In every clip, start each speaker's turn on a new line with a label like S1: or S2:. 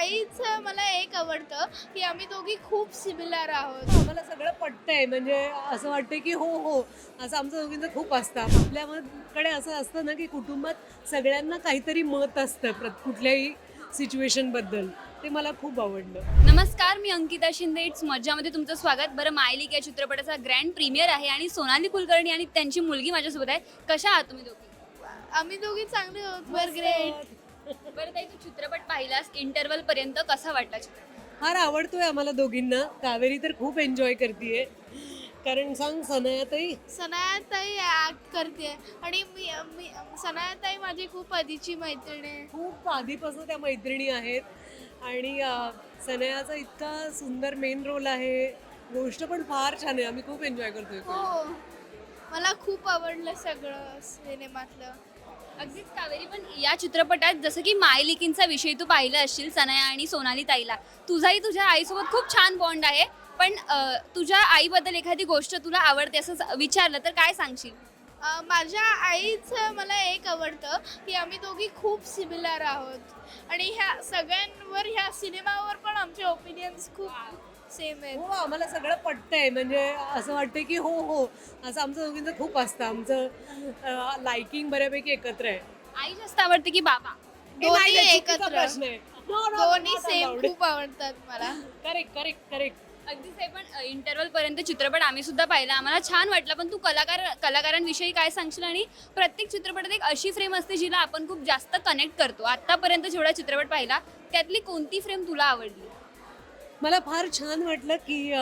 S1: आईचं मला एक आवडतं की आम्ही दोघी खूप सिमिलर आहोत.
S2: आम्हाला सगळं पटतंय म्हणजे असं वाटतं की हो हो असं आमचं दोघींचं खूप असतं. आपल्याकडे असं असतं ना की कुटुंबात सगळ्यांना काहीतरी मत असतं कुठल्याही सिच्युएशनबद्दल. ते मला खूप आवडलं.
S3: नमस्कार, मी अंकिता शिंदे. इट्स मज्जामध्ये तुमचं स्वागत. बरं, मायलिक या चित्रपटाचा ग्रँड प्रीमियर आहे आणि सोनाली कुलकर्णी आणि त्यांची मुलगी माझ्यासोबत आहे. कशा आहात तुम्ही दोघी?
S1: आम्ही दोघी चांगले आहोत. Were great.
S3: बरं ताई, तू चित्रपट पाहिलास इंटरवल पर्यंत, कसा वाटला चित्रपट?
S2: फार आवडतोय आम्हाला दोघींना. कावेरी तर खूप एन्जॉय करते. कारण सांग सनयाताई.
S1: सनायाताई ऍक्ट करते आणि मी मी सनायाताई माझी खूप आधीची मैत्रीण आहे.
S2: खूप आधीपासून त्या मैत्रिणी आहेत आणि सनयाचा इतका सुंदर मेन रोल आहे. गोष्ट पण फार छान आहे. आम्ही खूप एन्जॉय करतोय.
S1: हो, मला खूप आवडलं सगळं सिनेमातलं.
S3: अगदीच कावेरी, पण या चित्रपटात जसं की मायलिकींचा विषय तू पाहिला असशील, सनया आणि सोनाली ताईला. तुझाही तुझ्या आईसोबत खूप छान बॉन्ड आहे. पण तुझ्या आईबद्दल एखादी गोष्ट तुला आवडते असं विचारलं तर काय सांगशील?
S1: माझ्या आईचं मला एक आवडतं की आम्ही दोघी खूप सिमिलर आहोत आणि ह्या सगळ्यांवर ह्या सिनेमावर पण आमचे ओपिनियन्स खूप सेम आहेत.
S2: हो आम्हाला सगळं पटतंय म्हणजे असं वाटतं की हो हो असं आमचं दोघींचं खूप असतं. आमचं लाइकिंग बऱ्यापैकी एकत्र आहे.
S3: आई जास्त आवडते की बाबा?
S1: दोन्ही एकत्र.
S2: प्रश्न आहे.
S1: दोन्ही सेम खूप आवडतात मला.
S2: Correct correct correct.
S3: अगदीच आहे. पण इंटरवल पर्यंत चित्रपट आम्ही सुद्धा पाहिला, आम्हाला छान वाटला. पण तू कलाकारांविषयी काय सांगशील? आणि प्रत्येक चित्रपटात एक अशी फ्रेम असते जिला आपण खूप जास्त कनेक्ट करतो. आतापर्यंत जेवढा चित्रपट पाहिला त्यातली कोणती फ्रेम तुला आवडली?
S2: मला फार छान वाटलं की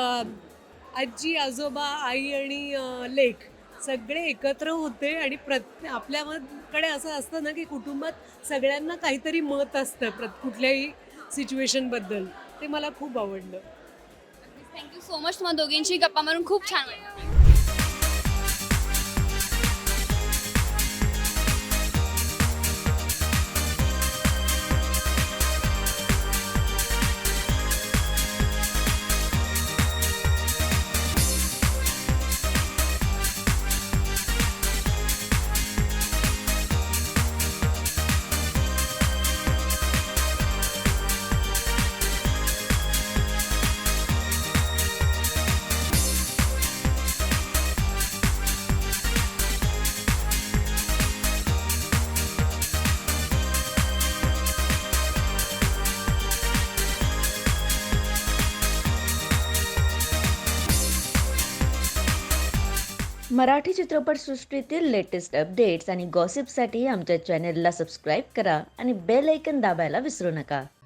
S2: आजी आजोबा आई आणि लेक सगळे एकत्र होते आणि आपल्याकडे असं असतं ना की कुटुंबात सगळ्यांना काहीतरी मत असतं कुठल्याही सिच्युएशनबद्दल. ते मला खूप आवडलं.
S3: Thank you so much. तुम्हाला दोघींची गप्पा मारून खूप छान वाटलं.
S4: मराठी चित्रपटसृष्टीतील लेटेस्ट अपडेट्स आणि गॉसिपसाठी आमच्या चॅनेलला सबस्क्राईब करा आणि बेल ऐकन दाबायला विसरू नका.